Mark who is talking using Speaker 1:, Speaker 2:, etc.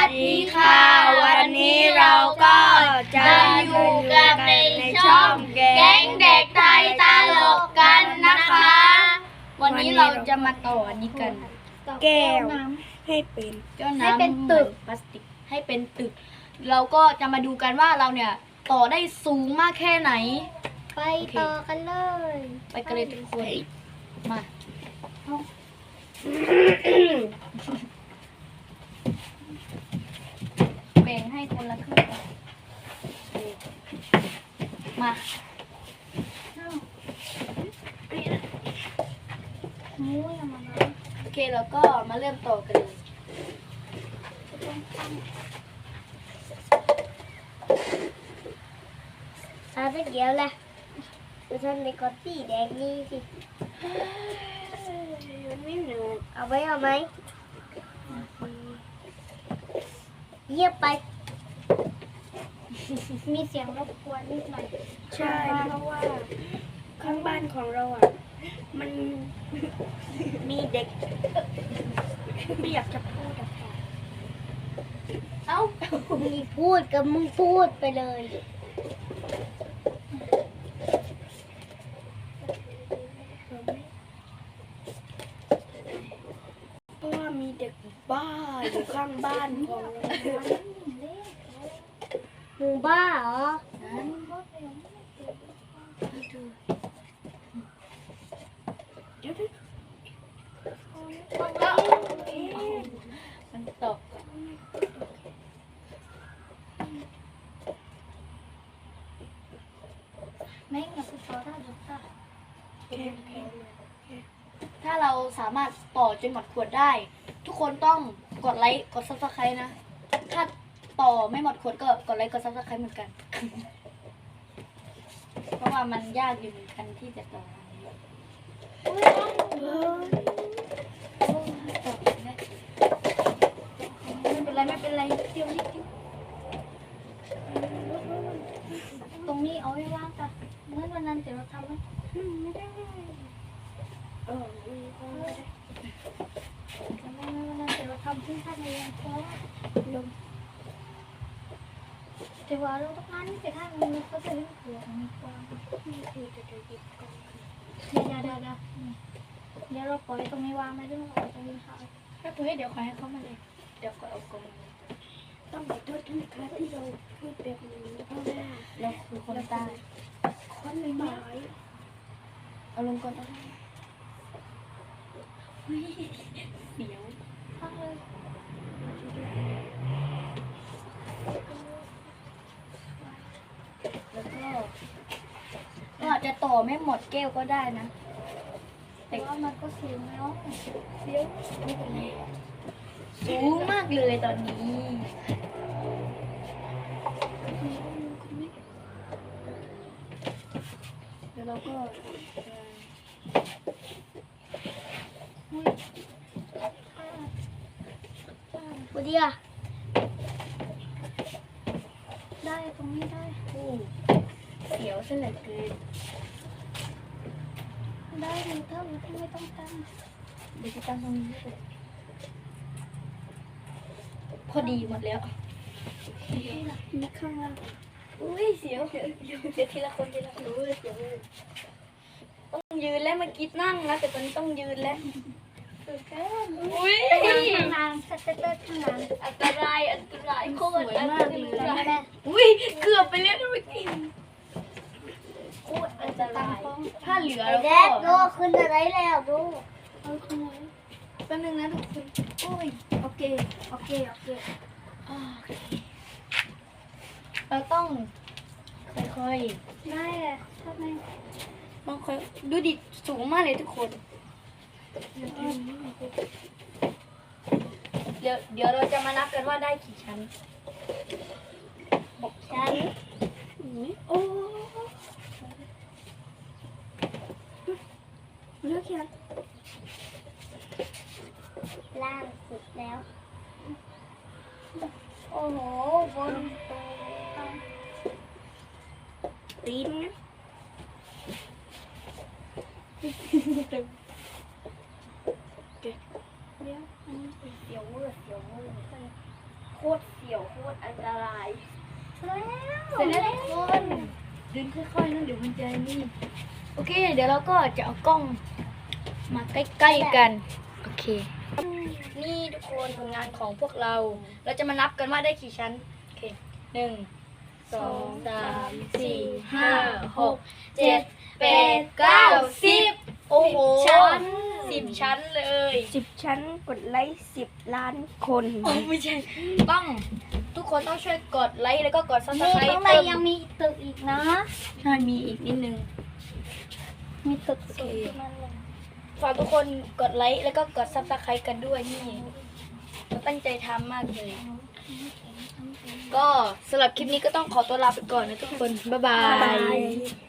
Speaker 1: ดีค่ะวันนี้เราก็จะอยู่กันในช่องแก๊งเด็กไทยตลกกันนะคะ วันนี้เราจะมาต่ออันนี้กันแก้วให้เป็นให้เป็นตึกพลาสติกให้เป็นตึกเราก็จะมาดูกันว่าเราเนี่ยต่อได้สูงมากแค่ไหน
Speaker 2: ไปต่อกันเลย
Speaker 1: ไปกันเลยทุกคนมาแบ่งให้คนละครึ่งมาโอเคแล้วก็มาเริ่มต่อกันเลย
Speaker 2: เอาไปเกี่ยวเลยดูท่านในก้อนสีแดงนี่สิมันไม่หนูเอาไหมเยียบไปมีเสียงรบกวนนิดหน่อย
Speaker 1: ใช่เพราะว่าข้างบ้านของเราอ่ะมันมีเด็กไม่อยากจะพูดอะค่ะเอ้า
Speaker 2: มีพูดกับมึงพูดไปเลย
Speaker 1: เพราะว่ามีเด็กบ้าอยู่ข้างบ้านของเรา
Speaker 2: หมูบ้าเหรอ
Speaker 1: มันตก
Speaker 2: ไม่งั้นกูต่อได้หรือเปล่า
Speaker 1: ถ้าเราสามารถต่อจนหมดขวดได้ทุกคนต้องกดไลค์กด Subscribe นะถ้าต่อไม่หมดขวดก็กดไลค์กด Subscribe เหมือนกันเพราะว่ามันยากอยู่เหมือนกันที่จะต่อไม่เป็นไรเดี๋ยวนิด
Speaker 2: ตรงนี้เอาไว้ว่างจ้ะเมื่อวันนั้นเดี๋ยวเราทำไหมไม่ได้ไม่ได้วันนั้นเดี๋ยวเราทำขึ้นท่าในยังเพราะลมแต่ว่าเราต้องการนี่แต่ถ้ามันก็จะเล่นหัวมีความนี่คือจะหยิบก่อนเดี๋ยวเราปล่อยตรงนี้วางไม่ได้เราตรงนี้ค่ะ
Speaker 1: ถ้าตัวให้เดี๋ยวขอให้เขามาเลยเดี๋ยวก็เอากลมต้องขอโทษทุกครั้งที่เราพูดแบบนี้เพราะว่าเราคือคนตายคนไม่หมายเอาลงก่อนเอาเดี๋ยว
Speaker 2: พักเลย
Speaker 1: แล้วก็อาจจะต่อไม่หมดแก้วก็ได้นะ
Speaker 2: แต่ว่ามันก็สูงแล้ว
Speaker 1: เดี๋ยวสูงมากเลยตอนนี้เดี๋ยวเราก็
Speaker 2: บุดีอะได้ตรงนี้ได้
Speaker 1: เสียวซะเหลือเกิน
Speaker 2: ได้เลยเท่าที่ไม่ต้องตั้ง
Speaker 1: เดี๋ยวจะตั้งตรงนี้เลยพอดีหมดแล้ว
Speaker 2: นี่ข้างล่าง
Speaker 1: อุ้ยเสียวเดี๋ยวทีละคนเสียวต้องยืนแล้วเมื่อกี้นั่งนะแต่ตอนนี้ต้องยืนแล้วอุ้ย
Speaker 2: ข้างล่างสเตอร์ข้างล่าง
Speaker 1: อันตรายโคตรมากเลยอุ้ยเกือบไปแล้วเมื่อกี้โคตรอันตรายถ้าเหลือแล้วก็
Speaker 2: ดูขึ้นอะไรแล้วดู
Speaker 1: แป๊บนึงนะทุกคนโอ้ยโอเคเราต้องค่อย
Speaker 2: ๆได้อะทำไม
Speaker 1: ต้องค่อยดูดิสูงมากเลยทุกคนเดี๋ยวเราจะมานับกันว่าได้กี่ชั้น
Speaker 2: 6 ชั้น
Speaker 1: โอ้เลือกชั้น
Speaker 2: ล่างสุดแล้วโอ้โหบน
Speaker 1: ตีนนะเดี๋ยวอันนี้เสียวเวอร์ตรเสี่ยวโคตรอันตราย
Speaker 2: เสร็จแล้ว
Speaker 1: เสร็จแล้วทุกคนเดินค่อยๆนั่นเดี๋ยวมันจะนี่โอเค เดี๋ยวเราก็จะเอากล้องมาใกล้ๆกันโอเค นี่ทุกคนผลงานของพวกเรา เราจะมานับกันว่าได้กี่ชั้นโอเค1 2 3 4 5 6 7 8 9 10โอ้โห10 ชั้นเลย
Speaker 3: 10 ชั้นกดไลค์10 ล้านคน
Speaker 1: โอ้ไม่ใช่ต้องทุกคนต้องช่วยกดไลค์แล้วก็กดซับส
Speaker 2: นี่
Speaker 1: ไคร
Speaker 2: ข้าง
Speaker 1: ต์
Speaker 2: ใน
Speaker 1: เพิ่ม
Speaker 2: ยังมีตึกอีกนะ
Speaker 1: ใช่มีอีกนิดนึง
Speaker 2: มีตึก
Speaker 1: โอ
Speaker 2: สู
Speaker 1: เค
Speaker 2: งขึ้นมาเลย
Speaker 1: ฝากทุกคนกดไลค์แล้วก็กดซับสไครต์กันด้วยนี่เราตั้งใจทำมากเลย ก็สำหรับคลิปนี้ก็ต้องขอตัวลาไปก่อนนะทุกคน บ๊ายบาย